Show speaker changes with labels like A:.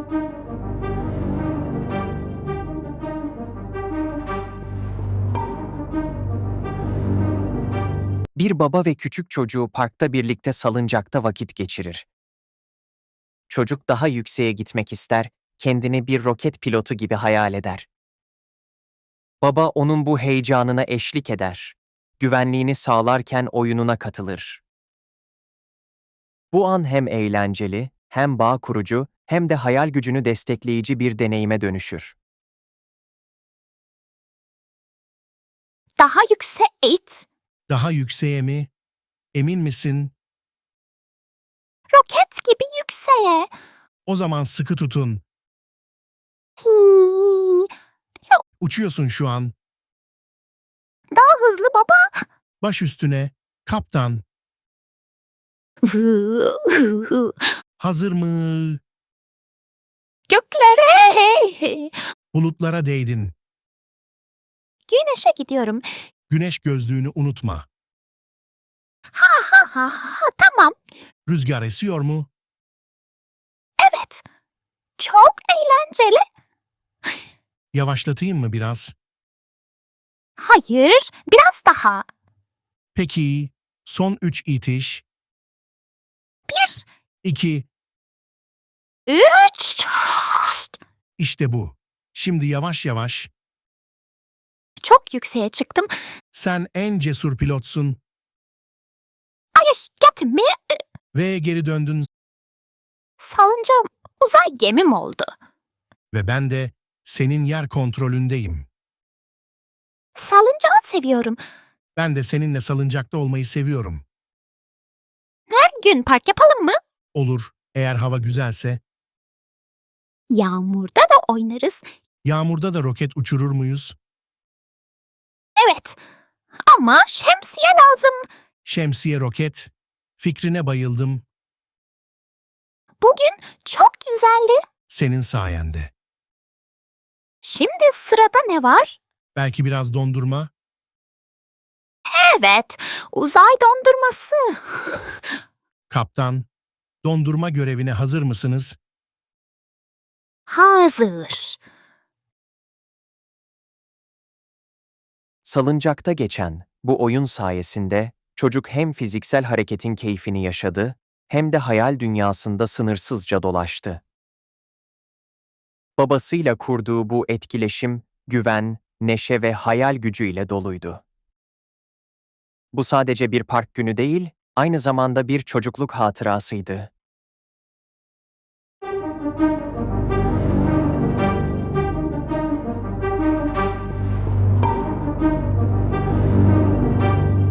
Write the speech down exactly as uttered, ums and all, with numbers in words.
A: Bir baba ve küçük çocuğu parkta birlikte salıncakta vakit geçirir. Çocuk daha yükseğe gitmek ister, kendini bir roket pilotu gibi hayal eder. Baba onun bu heyecanına eşlik eder. Güvenliğini sağlarken oyununa katılır. Bu an hem eğlenceli, hem bağ kurucu, hem de hayal gücünü destekleyici bir deneyime dönüşür.
B: Daha yüksek it.
C: Daha yükseğe mi? Emin misin?
B: Roket gibi yükseğe.
C: O zaman sıkı tutun.
B: Hii.
C: Uçuyorsun şu an.
B: Daha hızlı baba.
C: Baş üstüne. Kaptan. Hazır mı?
B: Göklere.
C: Bulutlara değdin.
B: Güneşe gidiyorum.
C: Güneş gözlüğünü unutma.
B: Ha ha ha ha tamam.
C: Rüzgar esiyor mu?
B: Evet. Çok eğlenceli.
C: Yavaşlatayım mı biraz?
B: Hayır, biraz daha.
C: Peki, son üç itiş.
B: Bir,
C: İki,
B: üç.
C: işte bu. Şimdi yavaş yavaş.
B: Çok yükseğe çıktım.
C: Sen en cesur pilotsun
B: Ayış gitme.
C: ve geri döndün
B: Salıncağım uzay gemim oldu.
C: ve ben de senin yer kontrolündeyim.
B: Salıncağı seviyorum.
C: Ben de seninle salıncakta olmayı seviyorum.
B: Her gün park yapalım mı?
C: Olur, eğer hava güzelse.
B: Yağmurda da oynarız.
C: Yağmurda da roket uçurur muyuz?
B: Evet. Ama şemsiye lazım.
C: Şemsiye roket. Fikrine bayıldım.
B: Bugün çok güzeldi.
C: Senin sayende.
B: Şimdi sırada ne var?
C: Belki biraz dondurma.
B: Evet, uzay dondurması.
C: Kaptan, dondurma görevine hazır mısınız?
B: Hazır.
A: Salıncakta geçen bu oyun sayesinde çocuk hem fiziksel hareketin keyfini yaşadı, hem de hayal dünyasında sınırsızca dolaştı. Babasıyla kurduğu bu etkileşim, güven, neşe ve hayal gücüyle doluydu. Bu sadece bir park günü değil, aynı zamanda bir çocukluk hatırasıydı.